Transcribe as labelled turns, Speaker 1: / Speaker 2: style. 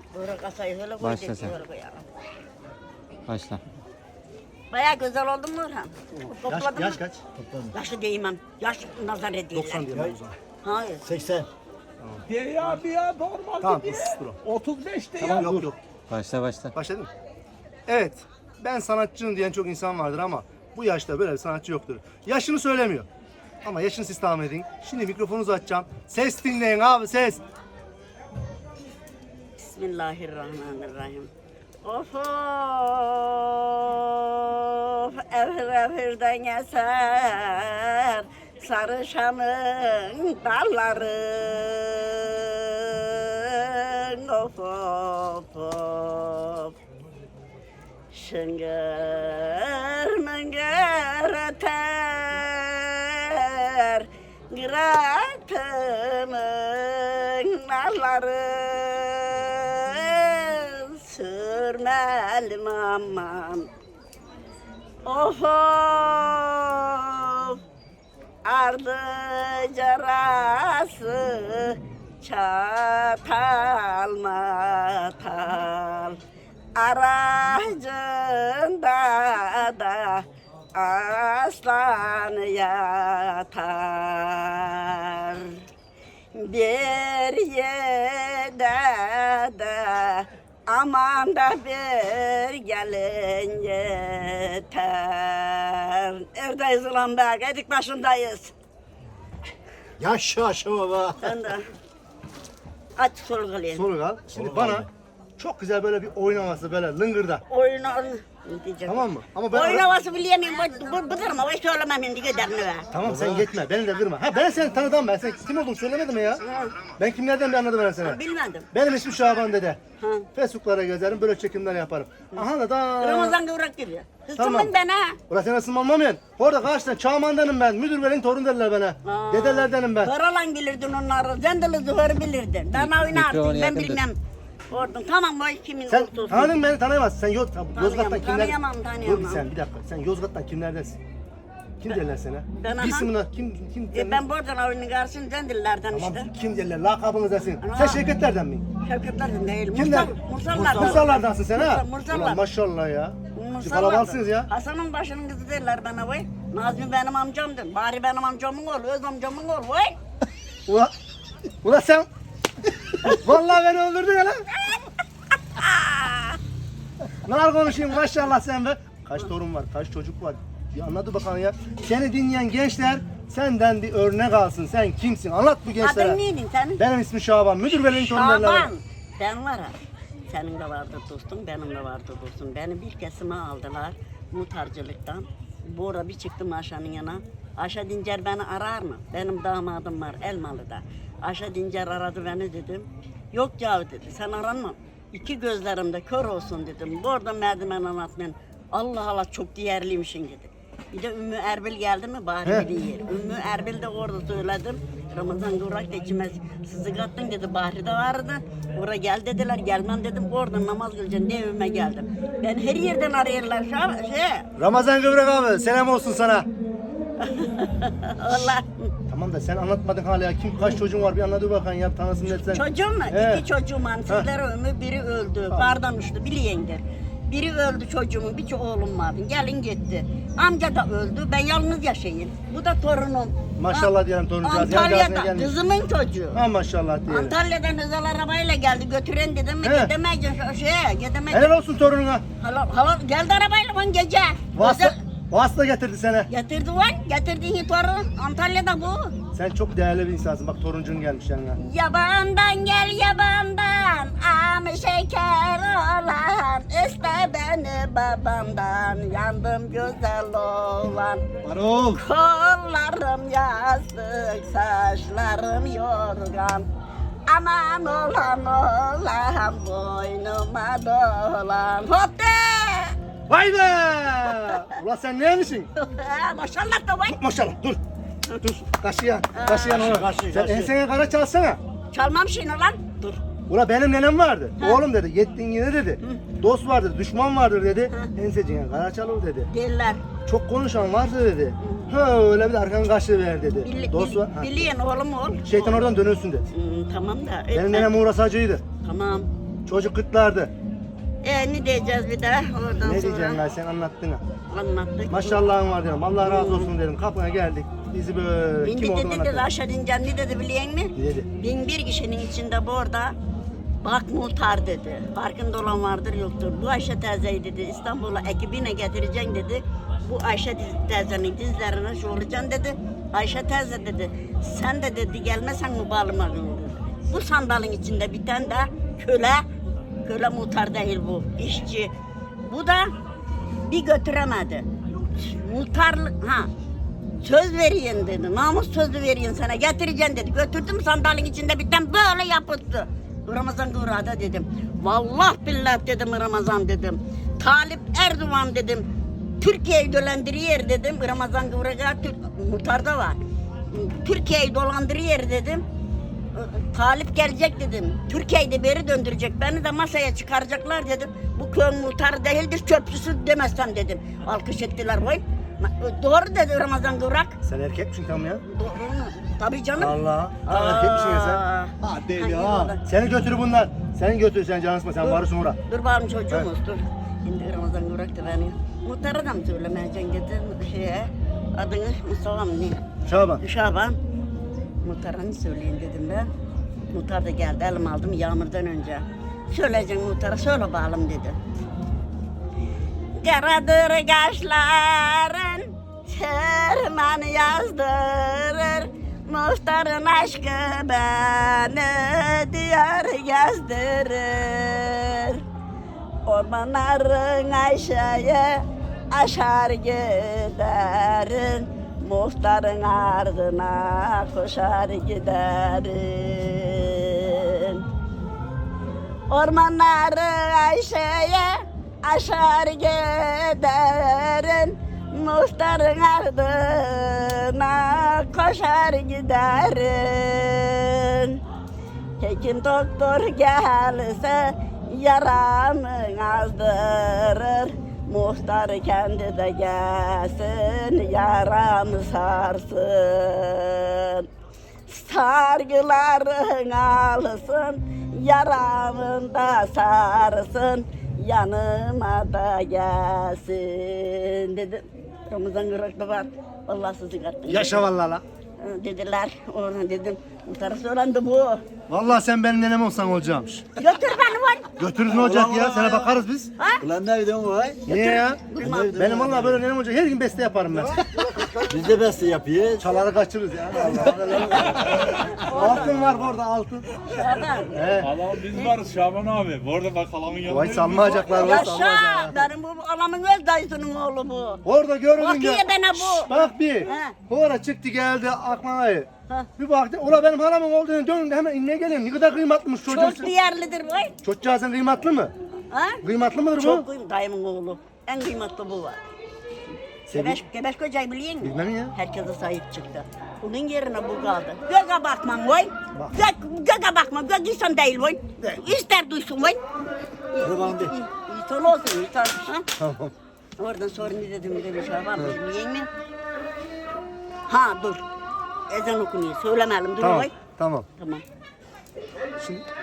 Speaker 1: Böyle kasayı öyle koy.
Speaker 2: Başla sen.
Speaker 1: Öyle koyalım.
Speaker 2: Başla.
Speaker 1: Bayağı güzel oldu mu Orhan? Topladın
Speaker 3: Yaş
Speaker 1: mı?
Speaker 3: kaç?
Speaker 1: Yaşlı değmem. Yaş nazar ediyorlar.
Speaker 3: 90 diyorum o zaman.
Speaker 1: Hayır.
Speaker 3: 80.
Speaker 4: Bir ya normal
Speaker 3: Tamam,
Speaker 4: değil.
Speaker 3: 30 lira.
Speaker 4: 35'te ya.
Speaker 3: Tamam yok.
Speaker 2: Başla başla.
Speaker 3: Başladın mı? Evet. Ben sanatçıyım diyen çok insan vardır ama bu yaşta böyle bir sanatçı yoktur. Yaşını söylemiyor. Ama yaşını siz tahmin edin. Şimdi mikrofonunuzu açacağım. Ses dinleyin abi, ses.
Speaker 1: Bismillahirrahmanirrahim. Of of, evir evirden eser sarışanın dalları. Of of of, şıngır mıngır öter Gıratımın narları. Sürmelim aman. Of of, ardı carası çatal matal. Aracında da aslan yatar. Bir yerde de aman da bir gelin yeter. Neredeyiz ulan be? Gedik başındayız.
Speaker 3: Yaşa baba.
Speaker 1: Sen de aç solgalayın.
Speaker 3: Soru al. Şimdi bana çok güzel böyle bir oynaması böyle lıngırda.
Speaker 1: Oyunu diyeceğim.
Speaker 3: Tamam mı? Ama ben
Speaker 1: Oyun havası bileyemeyim. Bu durma. O söylemem şimdi giderini be.
Speaker 3: Tamam sen yetme. Beni de kırma. Ha ben seni tanıdım ben. Sen kim olduğunu söylemedim mi ya? Ben kimlerden bir anladım ben seni.
Speaker 1: Bilmedim.
Speaker 3: Benim ismim Şaban dede.
Speaker 1: Ha.
Speaker 3: Facebook'lara gezerim, böyle çekimler yaparım. Aha da
Speaker 1: Ramazan kıvrak gibi.
Speaker 3: Tamam.
Speaker 1: Hırsımın ben ha.
Speaker 3: Ulan sen nasıl mamamıyorsun? Orada karşıdan Çağman'danım ben. Müdür benim torun derler bana. Dedelerdenim ben.
Speaker 1: Karalan bilirdin onları. Zendeli zıhır bilirdin. Ben
Speaker 2: Mikrofonu
Speaker 1: oynardım. Ben
Speaker 2: yakın tut.
Speaker 1: bilmem. Oradan tamam o kimin
Speaker 3: Sen
Speaker 1: olsun.
Speaker 3: tanıdın beni tanıyamazsın. Sen Yozgat'tan kimler?
Speaker 1: tanıyamam.
Speaker 3: Dur sen bir dakika. Sen Yozgat'tan kimlerdensin? Kim derler sana?
Speaker 1: ben aha.
Speaker 3: Bir isimine kim derler?
Speaker 1: Ben buradan oyunun karşısında Zendelilerden
Speaker 3: Tamam
Speaker 1: işte.
Speaker 3: kim derler? Lakabınız desin.
Speaker 1: Ana.
Speaker 3: Sen Şevketlerden mi?
Speaker 1: Şevketlerden değil.
Speaker 3: Kimler?
Speaker 1: Mursallardan.
Speaker 3: Mursallardansın sen ha?
Speaker 1: Mursallar.
Speaker 3: Ulan maşallah ya.
Speaker 1: Mursallardan.
Speaker 3: Kalabalısınız ya.
Speaker 1: Hasan'ın başının kızı derler bana vay. Nazmi benim amcamdır. Bari benim amcamın oğlu, öz amcamın oğlu vay.
Speaker 3: Ulan sen vallahi beni öldürdün ya lan. Nar konuşayım maşallah sen be. Kaç torun var, kaç çocuk var. Bir anladı bakalım ya. Seni dinleyen gençler senden bir örnek alsın. Sen kimsin? Anlat bu gençlere.
Speaker 1: Adın neydin senin?
Speaker 3: Benim ismim Şaban. Müdür benim torunlarına.
Speaker 1: Şaban. Ben var ha. Senin de vardı dostum, benim de vardı dostum. Beni bir kesime aldılar muhtarcılıktan. Bu ara bir çıktım Aşa'nın yana. Aşa Dincer beni arar mı? Benim damadım var Elmalı'da. Aşa Dincer aradı beni dedim. Yok ya dedi, sen aranma. İki gözlerimde kör olsun dedim. Bu arada merdiven anlatmayın. Allah Allah çok değerliymişsin dedi. Bir de Ümmü Erbil geldi mi bari bir yer. Ümmü Erbil de orada söyledim. Ramazan Kıvrak da içime sızık attın dedi. Bahri de vardı. Oraya gel dediler. Gelmem dedim. Orada namaz kılacaksın diye evime geldim. Ben her yerden arıyorlar.
Speaker 3: Ramazan Kıvrak abi selam olsun sana.
Speaker 1: Allah.
Speaker 3: Tamam da sen anlatmadın hala. Kim kaç çocuğun var bir anladı bakalım ya. Tanısın etsen.
Speaker 1: Çocuğum mu?
Speaker 3: He.
Speaker 1: İki çocuğum var. Sizlere ömür biri öldü. Bardan uçtu. Bileyendir. Biri öldü çocuğumun, bir oğlum vardı. Gelin gitti. Amca da öldü. Ben yalnız yaşayayım. Bu da torunum.
Speaker 3: Maşallah diyelim toruncağız. Yan
Speaker 1: Antalya'da
Speaker 3: cihazına gelmiş.
Speaker 1: kızımın çocuğu.
Speaker 3: Ha maşallah diyelim.
Speaker 1: Antalya'dan özel arabayla geldi. Götüren dedim mi?
Speaker 3: He.
Speaker 1: Gidemeyeceksin. Gidemeyeceksin.
Speaker 3: Helal olsun torununa.
Speaker 1: Hala geldi arabayla bana gece.
Speaker 3: Vasıta, vasıta getirdi seni.
Speaker 1: Getirdi var. Getirdiği torun. Antalya'da bu.
Speaker 3: Sen çok değerli bir insansın. Bak toruncun gelmiş yanına.
Speaker 1: Yabandan gel yabandan. Am şeker olan. İste beni babamdan. Yandım güzel olan.
Speaker 3: Marul.
Speaker 1: Kollarım yastık, saçlarım yorgan. Aman olan olan, boynuma dolan. Hotte!
Speaker 3: Vay be! Ulan sen neymişsin?
Speaker 1: Maşallah da vay.
Speaker 3: Maşallah dur. Dur. Taşıyan onu. Sen ensene kara çalsana.
Speaker 1: Çalmam şimdi lan. Dur.
Speaker 3: Ula benim nenem vardı. Oğlum dedi. Yettin yine dedi. Dost vardır, düşman vardır dedi. Ensecine kara çalır dedi.
Speaker 1: Derler.
Speaker 3: Çok konuşan vardı dedi. Ha öyle bir de arkanı kaşı ver dedi. Dost var. Ha.
Speaker 1: Biliyen oğlum ol.
Speaker 3: Şeytan oradan dönülsün dedi.
Speaker 1: Tamam da.
Speaker 3: Benim nenem Uğur Asacı'ydı.
Speaker 1: Tamam.
Speaker 3: Çocuk kıtlardı.
Speaker 1: Ne diyeceğiz bir de oradan
Speaker 3: Ne
Speaker 1: sonra?
Speaker 3: diyeceğim ben sen anlattın ha.
Speaker 1: Anlattık.
Speaker 3: Maşallahın var dedim. Allah razı olsun dedim. Kapına geldik. Bizi böyle
Speaker 1: Bindi
Speaker 3: kim olduğunu
Speaker 1: dedi
Speaker 3: anlattı.
Speaker 1: aşağı dineceğim ne dedi biliyor musun?
Speaker 3: Ne dedi?
Speaker 1: 1001 kişinin içinde bu orada bak muhtar dedi. Farkında olan vardır yoktur. Bu Ayşe teyzeyi dedi İstanbul'a ekibine getireceksin dedi. Bu Ayşe teyzenin dizlerine şuracaksın dedi. Ayşe teyze dedi sen de dedi gelmesen mi bağlıma dedi. Bu sandalın içinde bir tane de köle muhtar değil bu işçi. Bu da bir götüremedi. Muhtarlık söz veriyin dedi. Namus sözü veriyin sana getireceğim dedi. Götürdüm sandalın içinde bir tane böyle yapıttı. Ramazan Kıvra'da dedim. Vallahi billah dedim Ramazan dedim. Talip Erdoğan dedim. Türkiye'yi dolandırıyor dedim. Ramazan Kıvra'da muhtarda var. Türkiye'yi dolandırıyor dedim. Talip gelecek dedim. Türkiye'yi de beri döndürecek. Beni de masaya çıkaracaklar dedim. Bu köyün muhtarı değildir çöpçüsü demezsem dedim. Alkış ettiler vay. Doğru dedi Ramazan Kıvrak.
Speaker 3: Sen erkek misin tam ya?
Speaker 1: Doğru mu? Tabii canım.
Speaker 3: Allah. Erkek misin ya sen?
Speaker 4: Ha deli
Speaker 1: Hangi
Speaker 4: ha.
Speaker 1: yolda?
Speaker 3: Seni götür bunlar. Seni götür sen canı sıkma. Sen varısın uğra.
Speaker 1: Dur bakalım çocuğumuz dur. Şimdi Ramazan Kıvrak da beni. Muhtara da mı söylemeyeceksin dedim şeye. Adını Mustafa mı ne?
Speaker 3: Şaban.
Speaker 1: Şaban. Muhtarını söyleyin dedim ben. Muhtar da geldi elim aldım yağmurdan önce. Söyleyeceksin muhtara söyle bakalım dedi. Karadır kaşların Şerman yazdırır Muhtarın aşkı beni diyar gezdirir Ormanların Ayşe'ye aşar giderin Muhtarın ardına koşar giderin Ormanları Ayşe'ye aşar giderin Muhtarın ardına koşar giderin Hekim doktor gelse yaramı azdırır Muhtar kendi de gelsin yaramı sarsın Sargıların alsın yaramın da sarsın yanıma da gelsin dedim. Ramazan Kıvrak da var. Vallahi sizi kattım.
Speaker 3: Yaşa vallahi la.
Speaker 1: Dediler. Ona dedim. Muhtara söylendi bu.
Speaker 3: Vallahi sen benim nenem olsan olacakmış.
Speaker 1: Götür beni var.
Speaker 3: Götürürüz ne olacak ya? Sana bakarız biz.
Speaker 5: Ulan ne videon var?
Speaker 3: Niye ya?
Speaker 1: Bilmem.
Speaker 3: Benim vallahi böyle nenem olacak. Her gün beste yaparım ben.
Speaker 5: Biz de beste yapıyoruz.
Speaker 3: Çaları kaçırırız ya. Altın var burada altın.
Speaker 1: Şaban.
Speaker 3: He.
Speaker 6: Allah'ım biz varız Şaban abi. Bu arada bak halamın yanında.
Speaker 3: Vay salmayacaklar. Vay
Speaker 1: Yaşa.
Speaker 3: salmayacaklar.
Speaker 1: Benim bu alamın öz dayısının oğlu bu.
Speaker 3: Orada göründün
Speaker 1: Bakıyor
Speaker 3: ya.
Speaker 1: bana bu.
Speaker 3: Bak bir.
Speaker 1: He.
Speaker 3: Sonra çıktı geldi aklıma.
Speaker 1: Ha.
Speaker 3: Bir baktı. Ula benim halamın olduğunu dönün inmeye inmeye geliyorum. Ne kadar kıymatlıymış çocuğum.
Speaker 1: Çok değerlidir vay.
Speaker 3: Çocuğa sen kıymatlı mı?
Speaker 1: Ha?
Speaker 3: Kıymatlı mıdır bu?
Speaker 1: Çok kıymetli dayımın oğlu. En kıymetli bu var. Gebeş kocayı biliyor musun?
Speaker 3: Bilmem ya.
Speaker 1: Herkese sahip çıktı. Bunun yerine bu kaldı. Göğe bakmam vay.
Speaker 3: Bak.
Speaker 1: Göğe bakmam. Gök insan değil vay. İster duysun vay.
Speaker 5: Kurban değil.
Speaker 1: İnsan olsun insan. Ha?
Speaker 3: Tamam.
Speaker 1: Oradan sonra ne dedim demiş Şaban biliyor musun? Ha dur. Ezan okunuyor. Söylemeyelim dur
Speaker 3: Tamam.
Speaker 1: vay.
Speaker 3: Tamam.
Speaker 1: Tamam.
Speaker 3: Şimdi